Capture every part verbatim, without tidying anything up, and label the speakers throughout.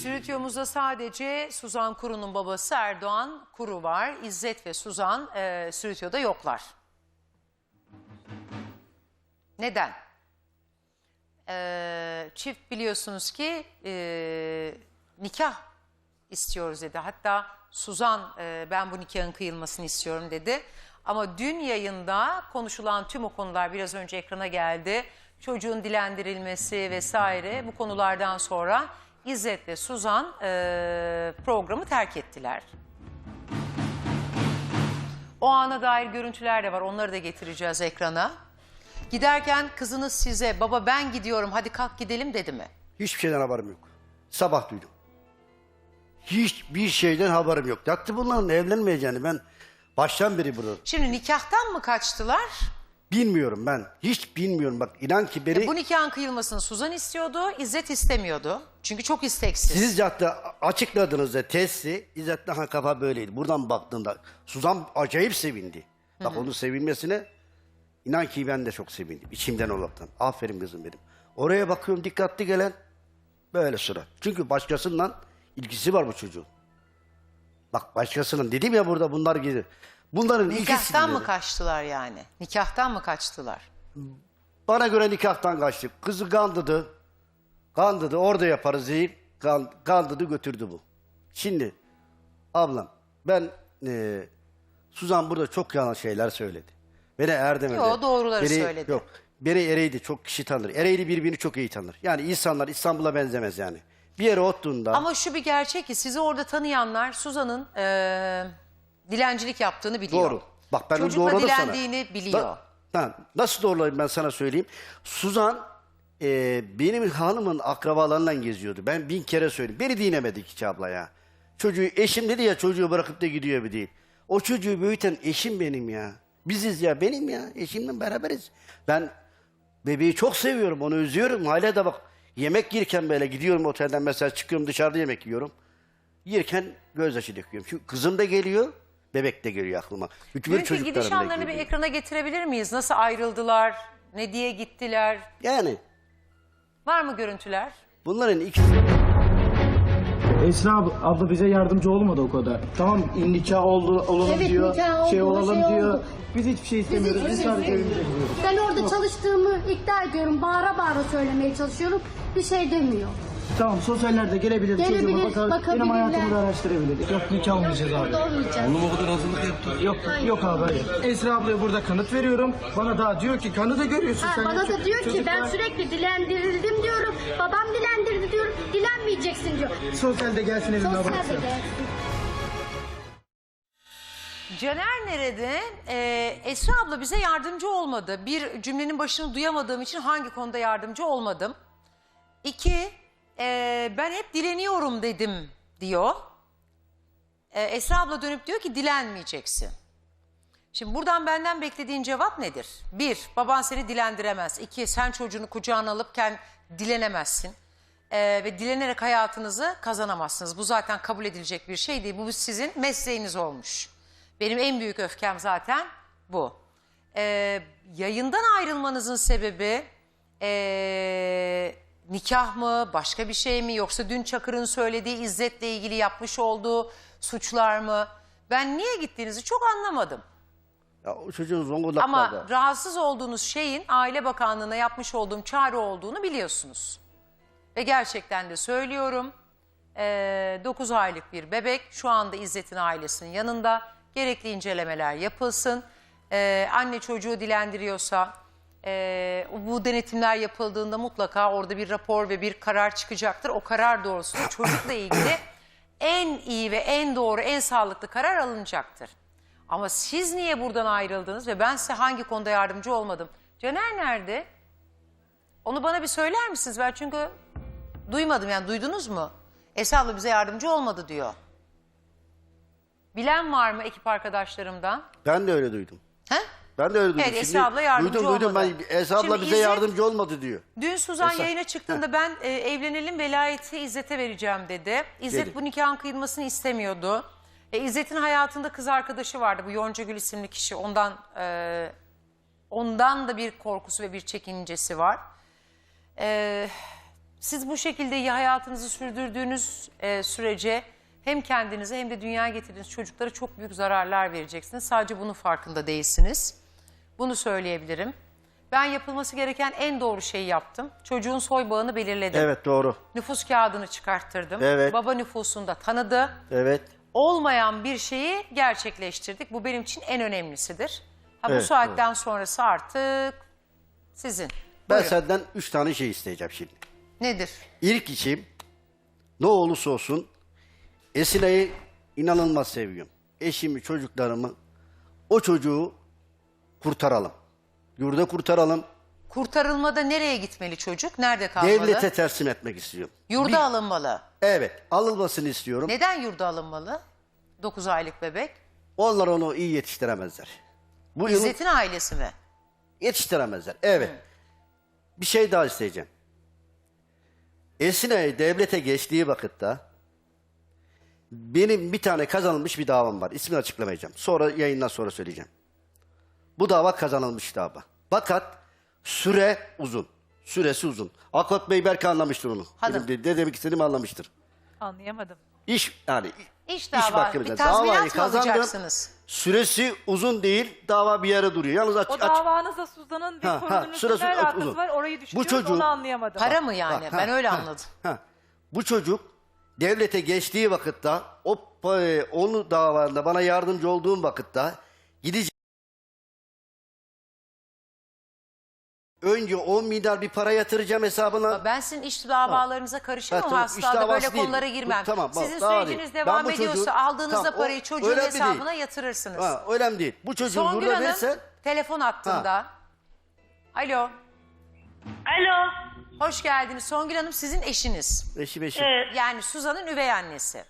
Speaker 1: Stüdyomuzda sadece Suzan Kuru'nun babası Erdoğan Kuru var. İzzet ve Suzan e, stüdyoda yoklar. Neden? E, çift biliyorsunuz ki e, nikah istiyoruz dedi. Hatta Suzan e, ben bu nikahın kıyılmasını istiyorum dedi. Ama dün yayında konuşulan tüm o konular biraz önce ekrana geldi. Çocuğun dilendirilmesi vesaire bu konulardan sonra İzzet ve Suzan e, programı terk ettiler. O ana dair görüntüler de var. Onları da getireceğiz ekrana. Giderken kızınız size baba ben gidiyorum hadi kalk gidelim dedi mi?
Speaker 2: Hiçbir şeyden haberim yok. Sabah duydum. Hiçbir şeyden haberim yok. Yaktı bunların evlenmeyeceğini ben baştan beri burada.
Speaker 1: Şimdi nikahtan mı kaçtılar?
Speaker 2: Bilmiyorum ben. Hiç bilmiyorum. Bak inan ki beni...
Speaker 1: E bu nikahın kıyılmasını Suzan istiyordu, İzzet istemiyordu. Çünkü çok isteksiz.
Speaker 2: Siz hatta açıkladığınızda testi İzzet'le ha kafa böyleydi. Buradan baktığında Suzan acayip sevindi. Bak onun sevinmesine inan ki ben de çok sevindim. İçimden olaraktan. Aferin kızım benim. Oraya bakıyorum dikkatli gelen böyle sıra. Çünkü başkasından ilgisi var bu çocuğun. Bak başkasının dedim ya burada bunlar gibi. Bunların
Speaker 1: Nikahtan mı
Speaker 2: dedi.
Speaker 1: kaçtılar yani? Nikahtan mı kaçtılar?
Speaker 2: Bana göre nikahtan kaçtık. Kızı kandırdı. Kandırdı orada yaparız deyip kandırdı götürdü bu. Şimdi ablam ben e, Suzan burada çok yalan şeyler söyledi. Beni Erdem'e
Speaker 1: Yok doğruları
Speaker 2: beni,
Speaker 1: söyledi.
Speaker 2: Yok beni Ereğli çok kişi tanır. Ereğli birbirini çok iyi tanır. Yani insanlar İstanbul'a benzemez yani. Bir yere oturduğunda...
Speaker 1: Ama şu bir gerçek ki sizi orada tanıyanlar Suzan'ın e, dilencilik yaptığını biliyor.
Speaker 2: Doğru. Bak ben
Speaker 1: Çocukla
Speaker 2: doğruladım sana.
Speaker 1: dilendiğini biliyor.
Speaker 2: Da, ha, nasıl doğrulayayım ben sana söyleyeyim. Suzan e, benim hanımın akrabalarından geziyordu. Ben bin kere söyledim. Beni dinlemedik hiç abla ya. Çocuğu eşim dedi ya çocuğu bırakıp da gidiyor bir değil. O çocuğu büyüten eşim benim ya. Biziz ya benim ya. Eşimle beraberiz. Ben bebeği çok seviyorum onu üzüyorum. Hala da bak yemek yerken böyle gidiyorum otelden mesela çıkıyorum dışarıda yemek yiyorum. Yerken gözyaşı döküyorum. Çünkü kızım da geliyor. Bebek de geliyor aklıma. Bütün
Speaker 1: Dünkü
Speaker 2: çocuklarım
Speaker 1: gidiş
Speaker 2: da
Speaker 1: anlarını bir
Speaker 2: geliyor.
Speaker 1: ekrana getirebilir miyiz? Nasıl ayrıldılar? Ne diye gittiler?
Speaker 2: Yani
Speaker 1: Var mı görüntüler?
Speaker 2: bunların ikisi...
Speaker 3: Esra ab- abla bize yardımcı olmadı o kadar. Tamam nikah oldu, olalım
Speaker 4: Evet,
Speaker 3: diyor,
Speaker 4: nikah oldu,
Speaker 3: şey olalım
Speaker 4: şey
Speaker 3: diyor.
Speaker 4: oldu.
Speaker 3: Biz hiçbir şey istemiyoruz. Biz sadece evimize gidiyoruz.
Speaker 4: Ben orada çalıştığımı iddia ediyorum. Bağıra bağıra söylemeye çalışıyorum. Bir şey demiyor.
Speaker 3: Tamam sosyallerde gelebilir,
Speaker 4: Gelebilir,
Speaker 3: çocuğuma bakar, benim
Speaker 4: bakabilirler.
Speaker 3: hayatımı da araştırabilir. Yok nikah olmayacağız abi.
Speaker 4: Olmayacak.
Speaker 5: Oğlum o kadar hazırlık yaptı.
Speaker 3: Yok yok abi hayır. Esra ablaya burada kanıt veriyorum. Bana daha diyor ki kanıtı görüyorsun
Speaker 4: Ha,
Speaker 3: sen.
Speaker 4: bana
Speaker 3: ya.
Speaker 4: da diyor ki
Speaker 3: Çocuk
Speaker 4: ben
Speaker 3: var.
Speaker 4: sürekli dilendirildim diyorum. Babam dilendirdi diyorum. Dilenmeyeceksin diyor.
Speaker 3: Sosyalde gelsin evime
Speaker 4: Sosyal
Speaker 3: baksın.
Speaker 4: de
Speaker 1: Caner nerede? Ee, Esra abla bize yardımcı olmadı. Bir cümlenin başını duyamadığım için hangi konuda yardımcı olmadım? İki, e, ben hep dileniyorum dedim diyor. Ee, Esra abla dönüp diyor ki dilenmeyeceksin. Şimdi buradan benden beklediğin cevap nedir? Bir, baban seni dilendiremez. İki, sen çocuğunu kucağına alıpken dilenemezsin. Ee, ve dilenerek hayatınızı kazanamazsınız. Bu zaten kabul edilecek bir şey değil. Bu sizin mesleğiniz olmuş. Benim en büyük öfkem zaten bu. Ee, yayından ayrılmanızın sebebi ee, nikah mı, başka bir şey mi? Yoksa dün Çakır'ın söylediği İzzet'le ilgili yapmış olduğu suçlar mı? Ben niye gittiğinizi çok anlamadım.
Speaker 2: Ya o çocuğun Zonguldak'ta
Speaker 1: Ama rahatsız olduğunuz şeyin Aile Bakanlığı'na yapmış olduğum çağrı olduğunu biliyorsunuz. Ve gerçekten de söylüyorum. dokuz aylık bir bebek şu anda İzzet'in ailesinin yanında. Gerekli incelemeler yapılsın. Ee, anne çocuğu dilendiriyorsa e, bu denetimler yapıldığında mutlaka orada bir rapor ve bir karar çıkacaktır. O karar doğrultusunda çocukla ilgili en iyi ve en doğru, en sağlıklı karar alınacaktır. Ama siz niye buradan ayrıldınız ve ben size hangi konuda yardımcı olmadım? Caner nerede? Onu bana bir söyler misiniz? Ben çünkü duymadım, yani duydunuz mu? Esra abla bize yardımcı olmadı diyor. Bilen var mı ekip arkadaşlarımdan?
Speaker 2: Ben de öyle duydum.
Speaker 1: He?
Speaker 2: Ben de öyle duydum.
Speaker 1: Evet, Esra abla yardımcı
Speaker 2: duydum, duydum.
Speaker 1: olmadı.
Speaker 2: Ben, Esra abla
Speaker 1: Şimdi
Speaker 2: bize
Speaker 1: İzzet-
Speaker 2: yardımcı olmadı diyor.
Speaker 1: Dün Suzan
Speaker 2: Esra-
Speaker 1: yayına çıktığında ben e, evlenelim velayeti İzzet'e vereceğim dedi. İzzet
Speaker 2: Dedi.
Speaker 1: bu nikahın kıyılmasını istemiyordu. E, İzzet'in hayatında kız arkadaşı vardı, bu Yoncagül isimli kişi. Ondan e, ondan da bir korkusu ve bir çekincesi var. E, siz bu şekilde iyi hayatınızı sürdürdüğünüz e, sürece hem kendinize hem de dünyaya getirdiğiniz çocuklara çok büyük zararlar vereceksiniz. Sadece bunun farkında değilsiniz. Bunu söyleyebilirim. Ben yapılması gereken en doğru şeyi yaptım. Çocuğun soy bağını belirledim.
Speaker 2: Evet, doğru.
Speaker 1: Nüfus kağıdını çıkarttırdım.
Speaker 2: Evet.
Speaker 1: Baba nüfusunu da tanıdı.
Speaker 2: Evet.
Speaker 1: Olmayan bir şeyi gerçekleştirdik. Bu benim için en önemlisidir. Ha, bu
Speaker 2: Evet,
Speaker 1: saatten sonrası artık sizin.
Speaker 2: Ben
Speaker 1: Buyurun.
Speaker 2: senden üç tane şey isteyeceğim şimdi.
Speaker 1: Nedir?
Speaker 2: İlk işim ne olursa olsun Esile'yi inanılmaz seviyorum. Eşimi, çocuklarımı, o çocuğu kurtaralım. Yurda kurtaralım.
Speaker 1: Kurtarılmada nereye gitmeli çocuk? Nerede kalmalı?
Speaker 2: Devlete teslim etmek istiyorum.
Speaker 1: Yurda
Speaker 2: Bir-
Speaker 1: alınmalı.
Speaker 2: Evet, alınmasını istiyorum.
Speaker 1: Neden yurda alınmalı? dokuz aylık bebek.
Speaker 2: Onlar onu iyi yetiştiremezler. Bu yılın
Speaker 1: İzzet'in ailesi mi?
Speaker 2: yetiştiremezler. Evet. Bir şey daha isteyeceğim. Esine devlete geçtiği vakitte benim bir tane kazanılmış bir davam var. İsmini açıklamayacağım. Sonra yayından sonra söyleyeceğim. Bu dava kazanılmış dava. Fakat süre uzun. Süresi uzun. Akot Bey belki anlamıştır onu.
Speaker 1: Hanım.
Speaker 2: Benim de, ne demek istediğimi anlamıştır.
Speaker 5: Anlayamadım.
Speaker 2: İş yani
Speaker 1: İş dava, bir
Speaker 2: davayı
Speaker 1: tazminat mı
Speaker 2: kazandım.
Speaker 1: alacaksınız?
Speaker 2: Süresi uzun değil. Dava bir yere duruyor. Yalnız aç,
Speaker 5: O
Speaker 2: aç,
Speaker 5: davanızda Suzan'ın bir
Speaker 2: Ha, ha,
Speaker 5: sorununun
Speaker 2: sırası
Speaker 5: ne alakası
Speaker 2: uzun.
Speaker 5: var? Orayı düşünüyoruz,
Speaker 2: çocuğun-
Speaker 5: onu anlayamadım.
Speaker 1: Para mı yani?
Speaker 2: Ha,
Speaker 1: ben öyle
Speaker 2: ha,
Speaker 1: anladım.
Speaker 2: ha. Bu çocuk devlete geçtiği vakitte o pa- onu davanda bana yardımcı olduğum vakitte gidecek. Önce on milyar bir para yatıracağım hesabına.
Speaker 1: Ben sizin iş davalarınıza karışamam.
Speaker 2: Ha, tamam,
Speaker 1: asla
Speaker 2: iş
Speaker 1: da
Speaker 2: davası
Speaker 1: böyle
Speaker 2: değil.
Speaker 1: konulara
Speaker 2: Bu-
Speaker 1: girmem.
Speaker 2: tamam, bak,
Speaker 1: Sizin
Speaker 2: daha
Speaker 1: süreciniz
Speaker 2: değil.
Speaker 1: devam
Speaker 2: Ben bu çocuğu-
Speaker 1: ediyorsa aldığınızda
Speaker 2: Tamam, o
Speaker 1: parayı çocuğun
Speaker 2: önemli değil.
Speaker 1: hesabına yatırırsınız.
Speaker 2: Ha, önemli değil. Bu çocuğu
Speaker 1: Songül
Speaker 2: burada
Speaker 1: Hanım
Speaker 2: verirsen
Speaker 1: telefon hattında. Alo.
Speaker 6: Alo.
Speaker 1: Hoş geldiniz. Songül Hanım sizin eşiniz.
Speaker 2: eşi beşi.
Speaker 6: Evet.
Speaker 1: Yani Suzan'ın üvey annesi.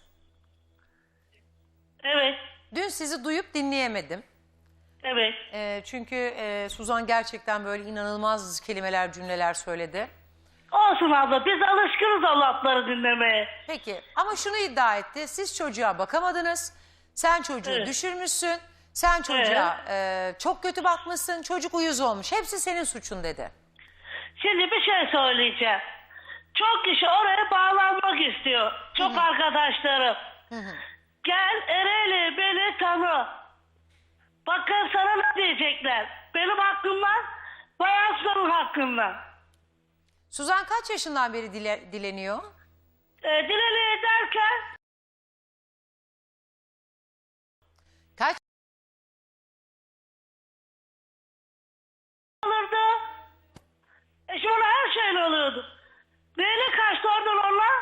Speaker 6: Evet.
Speaker 1: Dün sizi duyup dinleyemedim.
Speaker 6: Evet.
Speaker 1: Ee, çünkü e, Suzan gerçekten böyle inanılmaz kelimeler, cümleler söyledi.
Speaker 6: Olsun abla, biz alışkınız o lafları dinlemeye.
Speaker 1: Peki ama şunu iddia etti. Siz çocuğa bakamadınız. Sen çocuğu
Speaker 6: Evet.
Speaker 1: düşürmüşsün. Sen çocuğa e, çok kötü bakmışsın. Çocuk uyuz olmuş. Hepsi senin suçun dedi.
Speaker 6: Şimdi bir şey söyleyeceğim. Çok kişi oraya bağlanmak istiyor. Çok arkadaşlarım. Gel Ereğli beni tanı. Bakın sana ne diyecekler. Benim hakkımdan, Bayansı'nın hakkından.
Speaker 1: Suzan kaç yaşından beri dile- dileniyor?
Speaker 6: E, dileli derken
Speaker 1: Kaç?
Speaker 6: olurdu. E şimdi ona her şeyle oluyordu. Neyle kaçtı oradan onlar?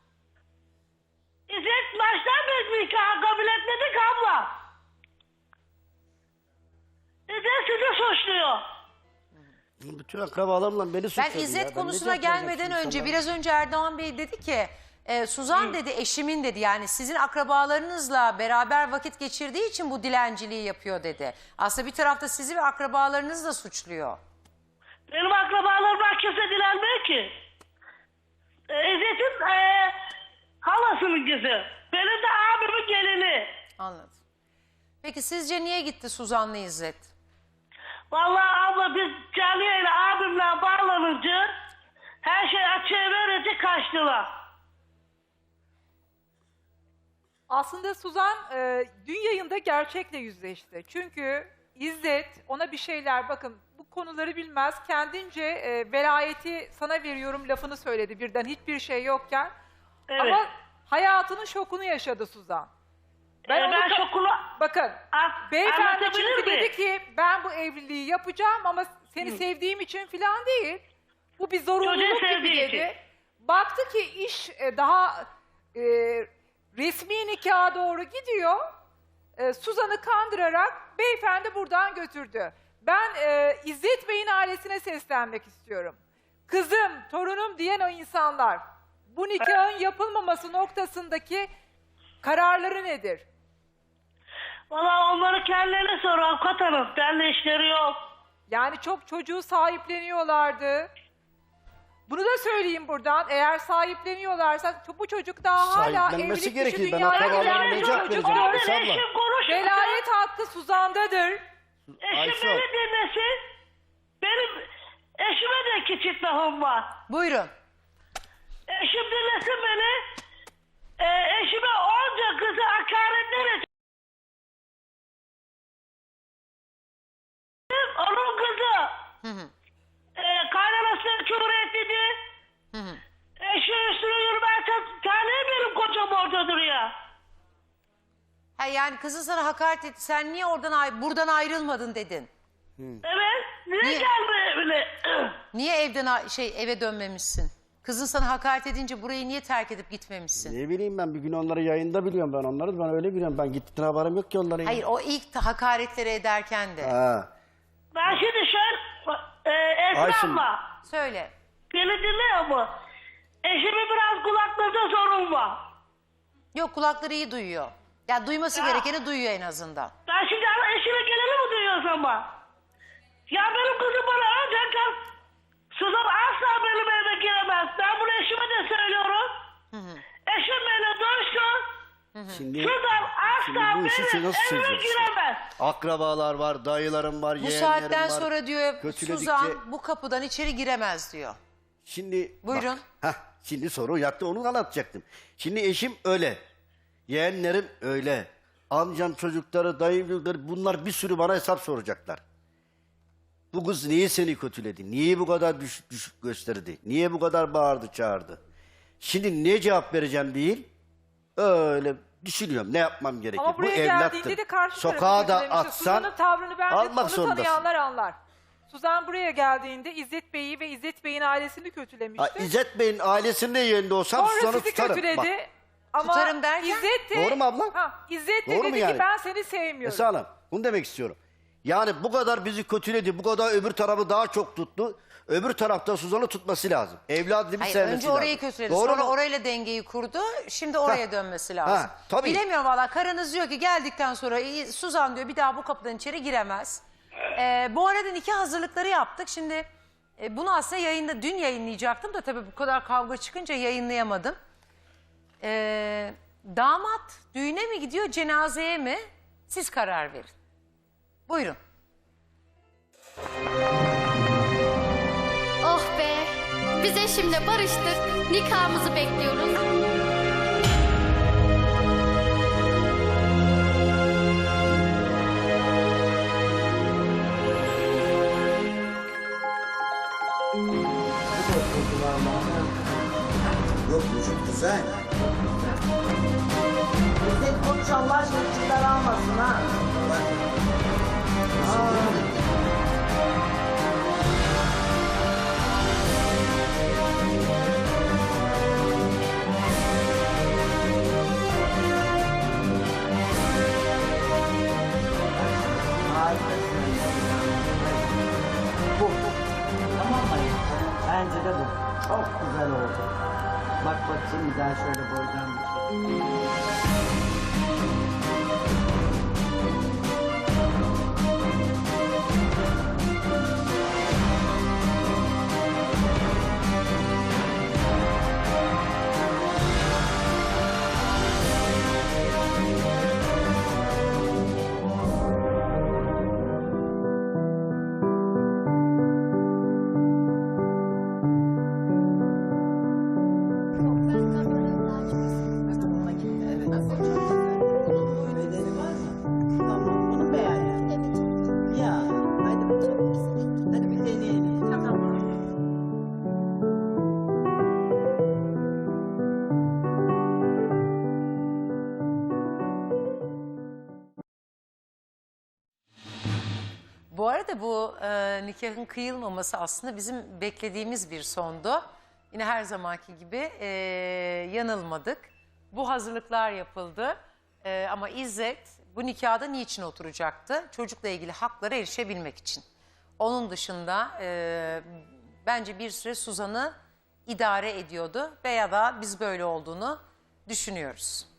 Speaker 6: İzzet baştan biz nikahı kabul etmedik abla. İzzet sizi suçluyor.
Speaker 2: Bütün akrabalarımla beni
Speaker 1: Ben
Speaker 2: suçladı ya.
Speaker 1: İzzet
Speaker 2: Ben
Speaker 1: konusuna
Speaker 2: ne yapacağım
Speaker 1: gelmeden
Speaker 2: şimdi
Speaker 1: önce
Speaker 2: sana?
Speaker 1: biraz önce Erdoğan Bey dedi ki e, Suzan dedi eşimin dedi yani sizin akrabalarınızla beraber vakit geçirdiği için bu dilenciliği yapıyor dedi. Aslında bir tarafta sizi ve akrabalarınızı da suçluyor.
Speaker 6: Benim akrabalarımdan kimse dilenmiyor ki. E, İzzet'in e, halasının kızı. Benim de abimin gelini.
Speaker 1: Anladım. Peki sizce niye gitti Suzan'la İzzet?
Speaker 6: Vallahi abla biz canlı yayına abimle bağlanınca her şey açığa verince kaçtılar.
Speaker 5: Aslında Suzan e, dün yayında gerçekle yüzleşti. Çünkü İzzet ona bir şeyler, bakın bu konuları bilmez, kendince e, velayeti sana veriyorum lafını söyledi birden hiçbir şey yokken.
Speaker 6: Evet.
Speaker 5: Ama hayatının şokunu yaşadı Suzan.
Speaker 6: Ben,
Speaker 5: onu
Speaker 6: ben
Speaker 5: ka-
Speaker 6: şokunu...
Speaker 5: Bakın
Speaker 6: A-
Speaker 5: beyefendi
Speaker 6: anlatabilir
Speaker 5: çünkü
Speaker 6: miyim?
Speaker 5: dedi ki ben bu evliliği yapacağım ama seni sevdiğim için falan değil. Bu bir zorunluluk
Speaker 6: Çocuğu
Speaker 5: gibi
Speaker 6: sevdiği
Speaker 5: dedi.
Speaker 6: için.
Speaker 5: Baktı ki iş e, daha e, resmi nikaha doğru gidiyor. E, Suzan'ı kandırarak beyefendi buradan götürdü. Ben e, İzzet Bey'in ailesine seslenmek istiyorum. Kızım, torunum diyen o insanlar bu nikahın yapılmaması noktasındaki kararları nedir?
Speaker 6: Valla onları kendilerine sor avukat hanım. Benimle işleri yok.
Speaker 5: Yani çok çocuğu sahipleniyorlardı. Bunu da söyleyeyim buradan. Eğer sahipleniyorlarsa bu çocuk daha hala
Speaker 2: Sahiplenmesi
Speaker 5: evlilik
Speaker 2: gerekir.
Speaker 5: dışı
Speaker 2: Ben
Speaker 5: dünyaya
Speaker 2: akrabalarına
Speaker 5: gelen
Speaker 2: ne
Speaker 5: bir
Speaker 2: cevap
Speaker 5: çocuk.
Speaker 2: vereceğim?
Speaker 6: Orada
Speaker 2: Esra abla.
Speaker 6: eşim konuştu.
Speaker 5: Velayet hakkı Suzan'dadır.
Speaker 6: Eşim
Speaker 2: Ayşe.
Speaker 6: beni dinlesin. Benim eşime de iki çift lafım var.
Speaker 1: Buyurun.
Speaker 6: Eşim dinlesin beni. E, eşime onca kızı hakaretler etti. Onun kızı.
Speaker 1: Hı hı.
Speaker 6: E, kaynanasına küfür etti.
Speaker 1: Hı hı.
Speaker 6: Eşi üstüne yürümezsen tanıyor benim kocam orada duruyor.
Speaker 1: Ha, yani kızın sana hakaret etti. Sen niye oradan ay- buradan ayrılmadın dedin.
Speaker 6: Evet. Niye,
Speaker 1: Niye?
Speaker 6: gelmiyor evine?
Speaker 1: Niye evden a- şey eve dönmemişsin? Kızın sana hakaret edince burayı niye terk edip gitmemişsin?
Speaker 2: Ne bileyim ben bir gün onları yayında biliyorum ben onları. Ben öyle biliyorum. Ben gittiğine haberim yok ki onların.
Speaker 1: Hayır, o ilk ta- hakaretleri ederken de.
Speaker 2: Ha.
Speaker 6: Ben şimdi şöyle e, Esra
Speaker 2: Ayşin.
Speaker 6: abla.
Speaker 1: Söyle.
Speaker 6: Beni dinliyor mu? Eşimin biraz kulaklarında sorun var.
Speaker 1: Yok, kulakları iyi duyuyor. Ya duyması
Speaker 6: Ya.
Speaker 1: gerekeni duyuyor en azından.
Speaker 6: Ben şimdi eşime geleni mi duyuyor o zaman? Ya benim kızım bana önceden Suzan asla benim evime giremez. Ben bunu eşime de söylüyorum.
Speaker 1: Hı hı.
Speaker 6: Eşim benimle dönüştü.
Speaker 2: Şimdi,
Speaker 6: Suzan
Speaker 2: şimdi
Speaker 6: asla
Speaker 2: bu işi
Speaker 6: benim
Speaker 2: nasıl
Speaker 6: evime
Speaker 2: çözeceksin?
Speaker 6: giremez.
Speaker 2: Akrabalar var, dayılarım var,
Speaker 1: Bu
Speaker 2: yeğenlerim
Speaker 1: saatten
Speaker 2: var.
Speaker 1: sonra diyor
Speaker 2: Kötüledikçe-
Speaker 1: Suzan bu kapıdan içeri giremez diyor.
Speaker 2: Şimdi
Speaker 1: Buyurun.
Speaker 2: Bak, heh, şimdi soru yattı onu anlatacaktım. Şimdi eşim öyle. Yeğenlerim öyle. Amcam çocukları, dayım çocukları bunlar bir sürü bana hesap soracaklar. Bu kız niye seni kötüledi? Niye bu kadar düşük düşük gösterdi? Niye bu kadar bağırdı çağırdı? Şimdi ne cevap vereceğim değil. Öyle düşünüyorum ne yapmam gerekir.
Speaker 5: Ama buraya
Speaker 2: bu evlattır.
Speaker 5: geldiğinde de karşı
Speaker 2: Sokağa
Speaker 5: tarafı
Speaker 2: da
Speaker 5: kötülemişti.
Speaker 2: atsan
Speaker 5: Suzan'ın tavrını bence
Speaker 2: almak
Speaker 5: onu
Speaker 2: zorundasın.
Speaker 5: tanıyanlar anlar. Suzan buraya geldiğinde İzzet Bey'i ve İzzet Bey'in ailesini kötülemişti.
Speaker 2: Ha, İzzet Bey'in ailesinde yerinde olsam
Speaker 5: Sonra
Speaker 2: Suzan'ı
Speaker 5: sizi
Speaker 2: tutarım.
Speaker 5: kötüledi.
Speaker 2: Bak,
Speaker 5: Ama
Speaker 1: Tutarım derken?
Speaker 5: İzzet de,
Speaker 2: Doğru mu abla?
Speaker 5: Ha, İzzet de
Speaker 2: Doğru
Speaker 5: dedi
Speaker 2: mu
Speaker 5: ki
Speaker 2: yani?
Speaker 5: ben seni sevmiyorum.
Speaker 2: Esra Hanım bunu demek istiyorum. Yani bu kadar bizi kötüledi, bu kadar öbür tarafı daha çok tuttu. Öbür tarafta Suzan'ı tutması lazım. Evladını bir
Speaker 1: Hayır,
Speaker 2: sevmesi
Speaker 1: önce
Speaker 2: lazım.
Speaker 1: orayı kötüledi.
Speaker 2: Doğru
Speaker 1: Sonra
Speaker 2: mu?
Speaker 1: orayla dengeyi kurdu. Şimdi oraya
Speaker 2: Ha.
Speaker 1: dönmesi lazım.
Speaker 2: Ha, tabii.
Speaker 1: Bilemiyorum valla. Karınız diyor ki geldikten sonra "İyi, Suzan diyor bir daha bu kapıdan içeri giremez. Ee, bu arada nikah hazırlıkları yaptık. Şimdi e, bunu aslında yayında dün yayınlayacaktım da tabii bu kadar kavga çıkınca yayınlayamadım. Ee, damat düğüne mi gidiyor, cenazeye mi? Siz karar verin. Buyurun.
Speaker 7: Oh be! Biz eşimle barıştık. Nikahımızı bekliyoruz.
Speaker 8: Yok vücut güzel.
Speaker 9: Sen konuş Allah aşkına çıkar almasın ha. Harikasın. Bu. Tamam mı? Bence de bu. Çok güzel oldu. Bak bakayım bir daha şöyle boydan bir şey. Bedeni var mı? Tamam, bunu beğendin. Ya, hadi bakalım. Hadi bir deneyelim. Tamam.
Speaker 1: Bu arada bu e, nikahın kıyılmaması aslında bizim beklediğimiz bir sondu. Yine her zamanki gibi e, yanılmadık. Bu hazırlıklar yapıldı. E, ama İzzet bu nikahda niçin oturacaktı? Çocukla ilgili haklara erişebilmek için. Onun dışında e, bence bir süre Suzan'ı idare ediyordu veya da biz böyle olduğunu düşünüyoruz.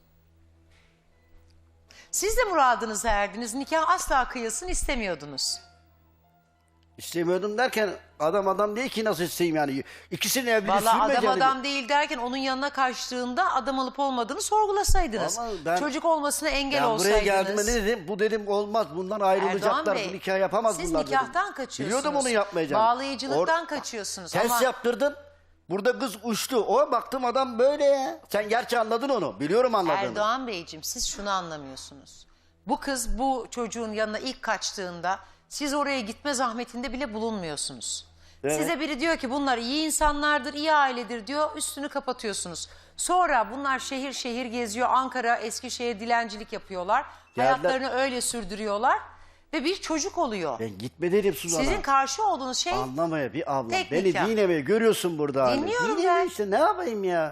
Speaker 1: Siz de muradınıza erdiniz. Nikah asla kıyılsın istemiyordunuz.
Speaker 2: İstemiyordum derken adam adam değil ki nasıl isteyeyim yani. İkisinin evliliği
Speaker 1: Vallahi adam
Speaker 2: sürmeyeceğini-
Speaker 1: adam değil derken onun yanına kaçtığında adam olup olmadığını sorgulasaydınız.
Speaker 2: Ama ben-
Speaker 1: Çocuk olmasına engel
Speaker 2: Ben buraya
Speaker 1: olsaydınız.
Speaker 2: geldiğimde ne dedim? Bu dedim olmaz. Bundan ayrılacaklar.
Speaker 1: Erdoğan Bey,
Speaker 2: Bu nikah yapamaz
Speaker 1: siz
Speaker 2: bunlar
Speaker 1: nikahtan
Speaker 2: dedim.
Speaker 1: kaçıyorsunuz.
Speaker 2: Biliyordum onu yapmayacağını.
Speaker 1: Bağlayıcılıktan
Speaker 2: Or-
Speaker 1: kaçıyorsunuz
Speaker 2: Ters
Speaker 1: ama-
Speaker 2: yaptırdın. Burada kız uçtu. O baktım adam böyle ya. Sen gerçi anladın onu. Biliyorum anladığını.
Speaker 1: Erdoğan Beyciğim siz şunu anlamıyorsunuz. Bu kız bu çocuğun yanına ilk kaçtığında siz oraya gitme zahmetinde bile bulunmuyorsunuz.
Speaker 2: Evet.
Speaker 1: Size biri diyor ki bunlar iyi insanlardır, iyi ailedir diyor, üstünü kapatıyorsunuz. Sonra bunlar şehir şehir geziyor, Ankara, Eskişehir dilencilik yapıyorlar.
Speaker 2: Geldiler.
Speaker 1: Hayatlarını öyle sürdürüyorlar ve bir çocuk oluyor.
Speaker 2: Ben gitme dedim Suzan'a.
Speaker 1: Sizin karşı olduğunuz şey
Speaker 2: Anlamaya bir ablam.
Speaker 1: Tek
Speaker 2: Beni
Speaker 1: nikah.
Speaker 2: dinlemeye görüyorsun burada. hani.
Speaker 1: Dinliyorum
Speaker 2: Dinleme
Speaker 1: ben.
Speaker 2: işte ne yapayım ya.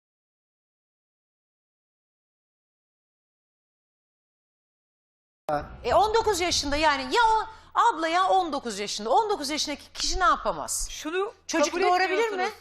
Speaker 1: E on dokuz yaşında yani ya o abla ya on dokuz yaşında. on dokuz yaşındaki kişi ne yapamaz?
Speaker 5: Şunu
Speaker 1: Çocuk
Speaker 5: kabul
Speaker 1: doğurabilir mi?
Speaker 5: etmiyorsunuz.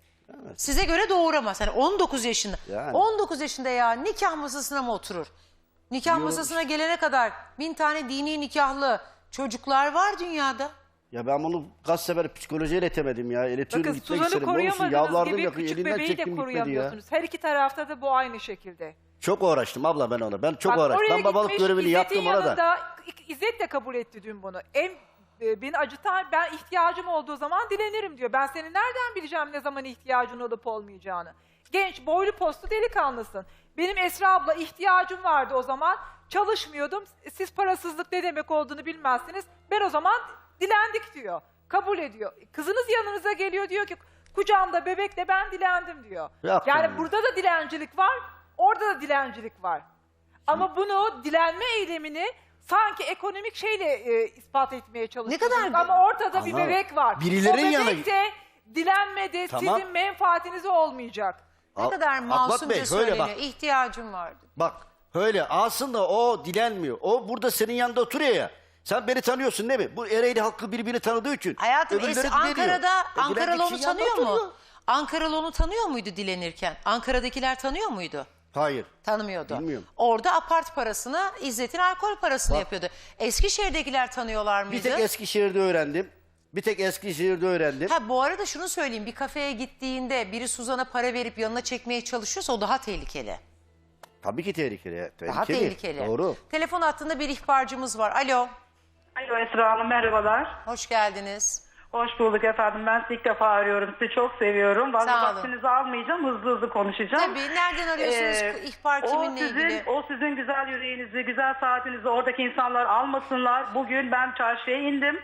Speaker 1: Size göre doğuramaz. Hani on dokuz yaşında.
Speaker 2: Yani.
Speaker 1: on dokuz yaşında ya nikah masasına mı oturur? Nikah
Speaker 2: Diyorum
Speaker 1: masasına gelene kadar bin tane dini nikahlı çocuklar var dünyada.
Speaker 2: Ya ben bunu kaç sefer psikolojiye iletemedim ya. İletiyorum
Speaker 5: Bakın
Speaker 2: gitmek
Speaker 5: Suzan'ı
Speaker 2: istedim. Ne olsun
Speaker 5: koruyamadığınız
Speaker 2: yalvardım
Speaker 5: gibi
Speaker 2: yakın
Speaker 5: küçük
Speaker 2: elinden
Speaker 5: bebeği de
Speaker 2: çektim gitmedi ya.
Speaker 5: koruyamıyorsunuz. Her iki tarafta da bu aynı şekilde.
Speaker 2: Çok uğraştım abla ben ona. Ben çok
Speaker 5: Bak,
Speaker 2: uğraştım.
Speaker 5: oraya
Speaker 2: Ben babalık
Speaker 5: gitmiş,
Speaker 2: görevini
Speaker 5: İzzet'in
Speaker 2: yaptım ona da.
Speaker 5: yanında, İzzet de kabul etti dün bunu. En e, beni acıtan, ben ihtiyacım olduğu zaman dilenirim diyor. Ben senin nereden bileceğim ne zaman ihtiyacın olup olmayacağını. Genç, boylu postlu delikanlısın. Benim Esra abla ihtiyacım vardı o zaman. Çalışmıyordum. Siz parasızlık ne demek olduğunu bilmezsiniz. Ben o zaman dilendik diyor. Kabul ediyor. Kızınız yanınıza geliyor diyor ki kucağımda bebekle ben dilendim diyor.
Speaker 2: Yaptım
Speaker 5: yani
Speaker 2: ya.
Speaker 5: burada da dilencilik var, orada da dilencilik var. Ama bunu dilenme eylemini sanki ekonomik şeyle e, ispat etmeye çalışıyorsunuz.
Speaker 1: kadar-
Speaker 5: Ama ortada bir
Speaker 2: Ama
Speaker 5: bebek var.
Speaker 2: birilerin
Speaker 5: o bebek
Speaker 2: yanına-
Speaker 5: de dilenmedi,
Speaker 2: Tamam.
Speaker 5: sizin menfaatinize olmayacak.
Speaker 1: Ne
Speaker 2: Al-
Speaker 1: kadar
Speaker 2: Akbat
Speaker 1: masumca
Speaker 2: Bey,
Speaker 1: söyleniyor.
Speaker 2: şöyle bak.
Speaker 1: İhtiyacım vardı.
Speaker 2: Bak öyle aslında o dilenmiyor. O burada senin yanında oturuyor ya. Sen beni tanıyorsun değil mi? Bu Ereğli halkı birbirini tanıdığı için.
Speaker 1: Hayatım
Speaker 2: öbürleri
Speaker 1: es-
Speaker 2: dileniyor.
Speaker 1: Ankara'da
Speaker 2: E,
Speaker 1: Ankaralı
Speaker 2: dilendik
Speaker 1: onu
Speaker 2: kişi yanında
Speaker 1: tanıyor mu?
Speaker 2: oturuyor.
Speaker 1: Ankaralı onu tanıyor muydu dilenirken? Ankara'dakiler tanıyor muydu?
Speaker 2: Hayır.
Speaker 1: Tanımıyordu.
Speaker 2: Bilmiyorum.
Speaker 1: Orada apart parasını, İzzet'in alkol parasını
Speaker 2: Bak.
Speaker 1: yapıyordu. Eskişehir'dekiler tanıyorlar
Speaker 2: Bir
Speaker 1: mıydı?
Speaker 2: tek Eskişehir'de öğrendim. Bir tek Eskişehir'de öğrendim.
Speaker 1: Ha, bu arada şunu söyleyeyim. Bir kafeye gittiğinde biri Suzan'a para verip yanına çekmeye çalışıyorsa o daha tehlikeli.
Speaker 2: Tabii ki tehlikeli. tehlikeli.
Speaker 1: Daha tehlikeli.
Speaker 2: Doğru.
Speaker 1: Telefon hattında bir ihbarcımız var. Alo.
Speaker 6: Alo Esra Hanım merhabalar.
Speaker 1: Hoş geldiniz.
Speaker 6: Hoş bulduk efendim. Ben sizi ilk defa arıyorum. Sizi çok seviyorum. Fazla
Speaker 1: Sağ olun.
Speaker 6: vaktinizi almayacağım. Hızlı hızlı konuşacağım.
Speaker 1: Tabii. Nereden arıyorsunuz?
Speaker 6: Ee,
Speaker 1: İhbar
Speaker 6: o
Speaker 1: kiminle
Speaker 6: sizin,
Speaker 1: ilgili?
Speaker 6: O sizin güzel yüreğinizi, güzel saatinizi oradaki insanlar almasınlar. Bugün ben çarşıya indim.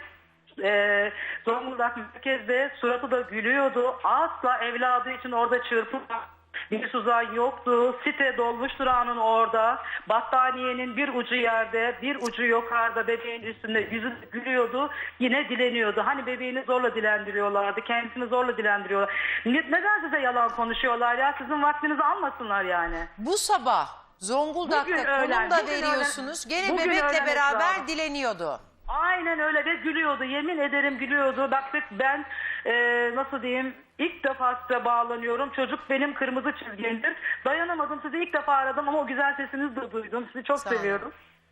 Speaker 6: Ee, Zonguldak merkezde suratı da gülüyordu. Asla evladı için orada çırpınmak bir Suzan yoktu. Site dolmuş durağının orada. Battaniyenin bir ucu yerde, bir ucu yukarıda bebeğin üstünde yüzü gülüyordu. Yine dileniyordu. Hani bebeğini zorla dilendiriyorlardı. Kendisini zorla dilendiriyorlar. Ne- Neden size yalan konuşuyorlar ya? Sizin vaktinizi almasınlar yani.
Speaker 1: Bu sabah Zonguldak
Speaker 6: Bugün
Speaker 1: Bugün
Speaker 6: öğlen,
Speaker 1: konum da
Speaker 6: bugün
Speaker 1: veriyorsunuz.
Speaker 6: öğlen.
Speaker 1: Gene
Speaker 6: Bugün
Speaker 1: bebekle
Speaker 6: öğlen
Speaker 1: beraber
Speaker 6: Esra.
Speaker 1: dileniyordu.
Speaker 6: Aynen öyle ve gülüyordu. Yemin ederim gülüyordu. Bak ben e, nasıl diyeyim ilk defa size bağlanıyorum. Çocuk benim kırmızı çizgimdir. Dayanamadım. Sizi ilk defa aradım ama o güzel sesinizi de duydum. Sizi çok
Speaker 1: Sağ olun.
Speaker 6: seviyorum.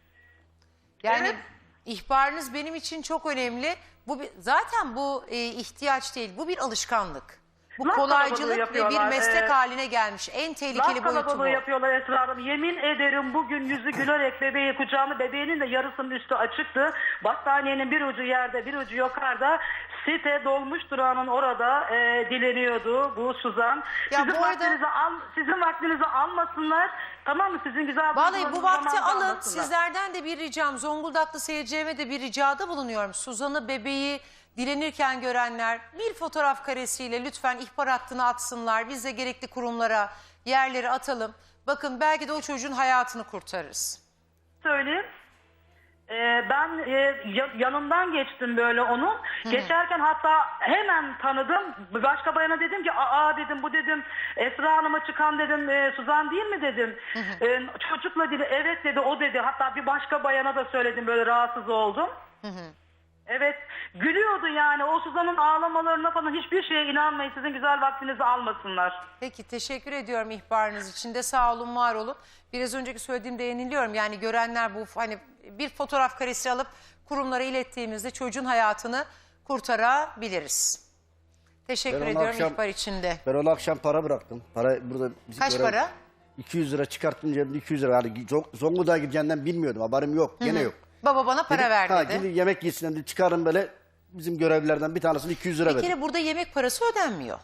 Speaker 1: Yani
Speaker 6: Evet.
Speaker 1: ihbarınız benim için çok önemli. Bu bir- zaten bu e, ihtiyaç değil. Bu bir alışkanlık. Bu
Speaker 6: Laf
Speaker 1: kolaycılık
Speaker 6: kalabalığı
Speaker 1: ve bir
Speaker 6: yapıyorlar.
Speaker 1: meslek
Speaker 6: Ee,
Speaker 1: haline gelmiş. En tehlikeli
Speaker 6: Laf
Speaker 1: boyutu bu.
Speaker 6: kalabalığı yapıyorlar Esra Hanım. Yemin ederim bugün yüzü gülerek bebeği kucağında bebeğinin de yarısının üstü açıktı. Battaniyenin bir ucu yerde bir ucu yukarıda. Site dolmuş durağının orada e, dileniyordu bu Suzan.
Speaker 1: Ya
Speaker 6: sizin,
Speaker 1: bu arada-
Speaker 6: vaktinizi al, sizin vaktinizi almasınlar. Tamam mı? Sizin güzel
Speaker 1: Vallahi bu
Speaker 6: duygularınızı
Speaker 1: vakti
Speaker 6: zamanında
Speaker 1: alın.
Speaker 6: almasınlar.
Speaker 1: Sizlerden de bir ricam. Zonguldaklı seyircilerime de bir ricada bulunuyorum. Suzan'ı bebeği dilenirken görenler bir fotoğraf karesiyle lütfen ihbar hattına atsınlar. Biz de gerekli kurumlara yerleri atalım. Bakın belki de o çocuğun hayatını kurtarırız.
Speaker 6: Söyleyeyim. Ee, ben e, ya- yanından geçtim böyle onun. Geçerken hatta hemen tanıdım. Bir başka bayana dedim ki aa dedim bu dedim Esra Hanım'a çıkan dedim e, Suzan değil mi dedim. E, çocukla dedi evet dedi o dedi. Hatta bir başka bayana da söyledim böyle rahatsız oldum. Evet gülüyordu yani o Suzan'ın ağlamalarına falan hiçbir şeye inanmayın sizin güzel vaktinizi almasınlar.
Speaker 1: Peki teşekkür ediyorum ihbarınız için de sağ olun var olun. Biraz önceki söylediğimde yeniliyorum yani görenler bu hani bir fotoğraf karesi alıp kurumlara ilettiğimizde çocuğun hayatını kurtarabiliriz. Teşekkür
Speaker 2: Ben onu
Speaker 1: ediyorum
Speaker 2: akşam-
Speaker 1: ihbar için de.
Speaker 2: Ben ona akşam para bıraktım. Para burada bizim
Speaker 1: Kaç
Speaker 2: görev-
Speaker 1: para?
Speaker 2: iki yüz lira çıkarttım cebimde iki yüz lira. Yani Zong- Zonguldak'a gideceğinden bilmiyordum. Haberim yok. Gene yok.
Speaker 1: Baba bana para
Speaker 2: Dedim,
Speaker 1: ver
Speaker 2: ha,
Speaker 1: dedi.
Speaker 2: gidin yemek yesin dedi. Çıkarın böyle bizim görevlilerden bir tanesini iki yüz lira
Speaker 1: Bir
Speaker 2: verdim.
Speaker 1: kere burada yemek parası ödenmiyor.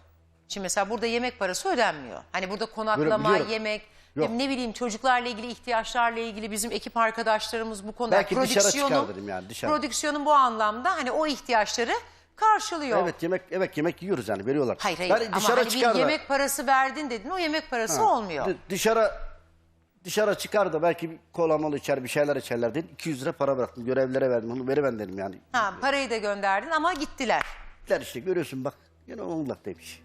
Speaker 1: Şimdi mesela burada yemek parası ödenmiyor. Hani burada konaklama,
Speaker 2: Biliyorum.
Speaker 1: yemek,
Speaker 2: Yok.
Speaker 1: ne bileyim çocuklarla ilgili, ihtiyaçlarla ilgili bizim ekip arkadaşlarımız bu konuda
Speaker 2: Belki dışarı
Speaker 1: prodüksiyonun,
Speaker 2: çıkartırım yani, dışarı.
Speaker 1: prodüksiyonun bu anlamda hani o ihtiyaçları karşılıyor.
Speaker 2: Evet yemek evet yemek yiyoruz yani veriyorlar.
Speaker 1: Hayır hayır
Speaker 2: Yani
Speaker 1: ama
Speaker 2: dışarı
Speaker 1: hani bir
Speaker 2: çıkar da-
Speaker 1: yemek parası verdin dedin, o yemek parası
Speaker 2: Ha,
Speaker 1: olmuyor.
Speaker 2: dı- Dışarı dışarı çıkar da belki bir kola mola içer bir şeyler içerler dedim. iki yüz lira para bıraktım. Görevlilere verdim. Onu veriven dedim yani.
Speaker 1: Ha, parayı da gönderdin ama gittiler.
Speaker 2: Gittiler işte görüyorsun bak. Yine Zonguldak demiş.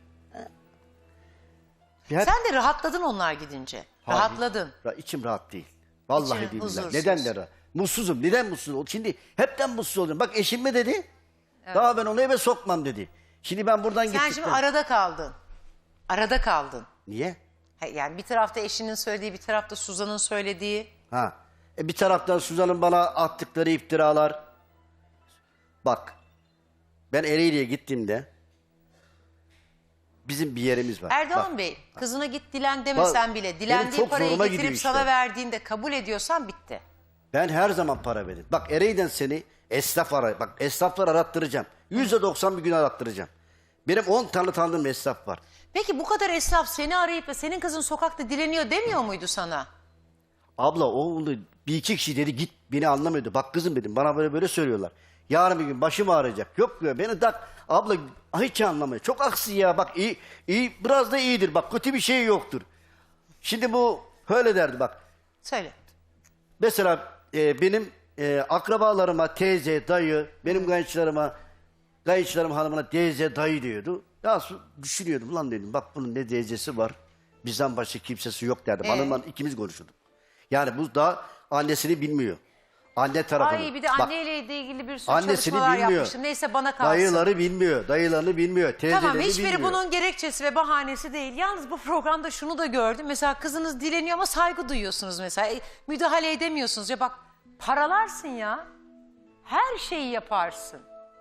Speaker 2: Ya-
Speaker 1: Sen de rahatladın onlar gidince.
Speaker 2: Hayır.
Speaker 1: Rahatladın.
Speaker 2: Ya içim rahat değil. Vallahi
Speaker 1: İçin
Speaker 2: billahi.
Speaker 1: huzursuz.
Speaker 2: Neden de rahat? Mutsuzum. Neden mutsuz oldum? Şimdi hepten mutsuz oldum. Bak eşim mi dedi? Daha ben onu eve sokmam dedi. Şimdi ben buradan
Speaker 1: Sen
Speaker 2: gittim.
Speaker 1: şimdi arada kaldın. Arada kaldın.
Speaker 2: Niye?
Speaker 1: Ha, Yani bir tarafta eşinin söylediği, bir tarafta Suzan'ın söylediği.
Speaker 2: Ha. E bir taraftan Suzan'ın bana attıkları iftiralar. Bak. Ben Ereğli'ye gittiğimde bizim bir yerimiz var.
Speaker 1: Erdoğan
Speaker 2: Bak,
Speaker 1: Bey, kızına git dilen demesen
Speaker 2: Bak,
Speaker 1: bile,
Speaker 2: benim
Speaker 1: dilendiği
Speaker 2: çok
Speaker 1: parayı
Speaker 2: zoruma
Speaker 1: getirip
Speaker 2: gidiyor işte.
Speaker 1: sana verdiğinde kabul ediyorsan bitti.
Speaker 2: ben her zaman para veririm. Bak Ereğli'den seni esnaf aray. Bak esnaflar arattıracağım. Yüzde doksan bir gün arattıracağım. Benim on tane tanıdığım esnaf var.
Speaker 1: Peki bu kadar esnaf seni arayıp da senin kızın sokakta dileniyor demiyor muydu sana?
Speaker 2: Abla o onu bir iki kişi dedi git beni anlamıyordu. Bak kızım dedim bana böyle böyle söylüyorlar. Yarın bir gün başım ağrıyacak. Yok diyor beni tak abla hiç anlamıyor. Çok aksi ya bak iyi, iyi biraz da iyidir bak kötü bir şey yoktur. Şimdi bu öyle derdi bak.
Speaker 1: Söyle.
Speaker 2: Mesela e, benim e, akrabalarıma teyze, dayı, benim kayınçılarıma, kayınçılarım hanımına teyze, dayı diyordu. Ya su- düşünüyordum lan dedim bak bunun ne teyzesi var. Bizden başka kimsesi yok derdim.
Speaker 1: Ee?
Speaker 2: Hanımla ikimiz konuşurduk. Yani bu da annesini bilmiyor. Anne tarafını.
Speaker 1: Ay bir de
Speaker 2: Bak,
Speaker 1: anneyle ilgili bir sürü
Speaker 2: annesini
Speaker 1: çalışmalar
Speaker 2: bilmiyor.
Speaker 1: yapmıştım. Neyse bana kalsın.
Speaker 2: Dayıları bilmiyor, dayılarını bilmiyor, teyzeleri
Speaker 1: Tamam hiçbiri
Speaker 2: bilmiyor.
Speaker 1: bunun gerekçesi ve bahanesi değil. Yalnız bu programda şunu da gördüm. Mesela kızınız dileniyor ama saygı duyuyorsunuz mesela. E, müdahale edemiyorsunuz. Ya bak paralarsın ya. Her şeyi yaparsın.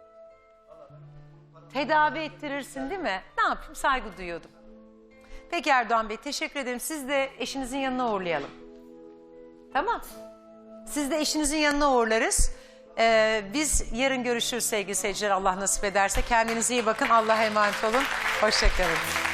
Speaker 1: Tedavi ettirirsin değil mi? Ne yapayım saygı duyuyordum. Peki Erdoğan Bey teşekkür ederim. Siz de eşinizin yanına uğurlayalım. Tamam. Siz de eşinizin yanına uğurlarız. Ee, biz yarın görüşürüz sevgili seyirciler Allah nasip ederse. Kendinize iyi bakın. Allah'a emanet olun. Hoşça kalın.